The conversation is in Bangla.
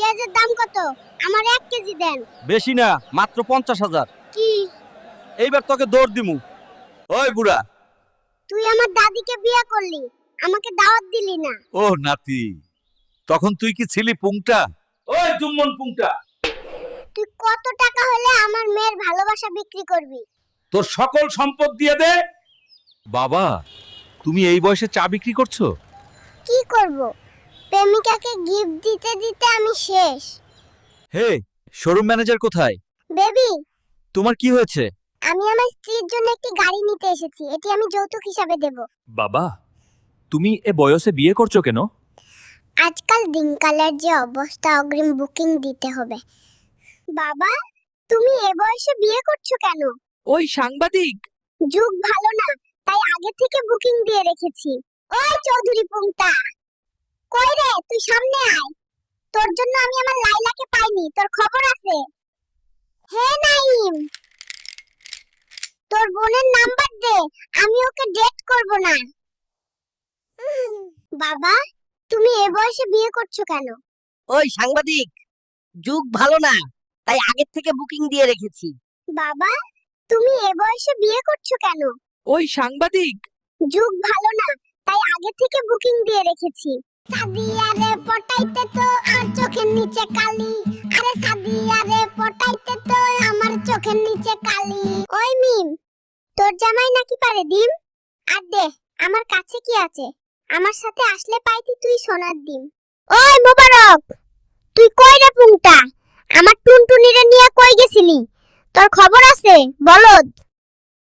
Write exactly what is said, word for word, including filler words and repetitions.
পেঁয়াজের দাম কত? আমার এক কেজি দেন। বেশি না, মাত্র পঞ্চাশ হাজার। কি? এইবার তোকে দৌড় দিমু। ওই বুড়া, তুই আমার দাদিকে বিয়ে করলি, আমাকে দাওয়াত দিলি না। ও নাতি, তখন তুই কি ছিলি পুংটা? ওই জুম্মন পুংটা, তুই কত টাকা হলে আমার মেয়ের ভালোবাসা বিক্রি করবি? তোর সকল সম্পদ দিয়ে দে। বাবা, তুমি এই বয়সে চা বিক্রি করছো? কি করব? প্রেমিকাকে গিফট দিতে দিতে আমি শেষ। হে, শোরুম ম্যানেজার কোথায়? বেবি, তোমার কি হয়েছে? আমি আমার স্ত্রীর জন্য একটি গাড়ি নিতে এসেছি, এটি আমি যৌতুক হিসাবে দেব। বাবা, তুমি এ বয়সে বিয়ে করছো কেন? আজকাল দিনকালের যে অবস্থা, অগ্রিম বুকিং দিতে হবে। বাবা, তুমি এ বয়সে বিয়ে করছো কেন? ওই সাংবাদিক, যুগ ভালো না, তাই আগে থেকে বুকিং দিয়ে রেখেছি। ওই চৌধুরী পুংটা, কই রে? তুই সামনে আয়। তোর জন্য আমি আমার লাইলাকে পাইনি, তোর খবর আছে? হে নাইম, তোর বোনের নাম্বার দে, আমি ওকে ডেট করব না। উম, বাবা, তুমি এ বয়সে বিয়ে করছো কেন? ওই সাংবাদিক, যুগ ভালো না, তাই আগের থেকে বুকিং দিয়ে রেখেছি। বাবা, তুমি এ বয়সে বিয়ে করছো কেন? ওই সাংবাদিক, যুগ ভালো না, তাই আগে থেকে বুকিং দিয়ে রেখেছি। সাদিয়া রে পটাইতে তো আর চোখের নিচে কালি, আরে সাদিয়া রে পটাইতে তো আমার চোখের নিচে কালি। ওই মিম, তোর জামাই নাকি পারে ডিম? আর দে, আমার কাছে কি আছে? আমার সাথে আসলে পাইতি তুই সোনার ডিম। ওই মোবারক, তুই কই রে পুংটা? আমার টুনটুনিরে নিয়ে কই গেছিলি? তোর খবর আছে বলদ?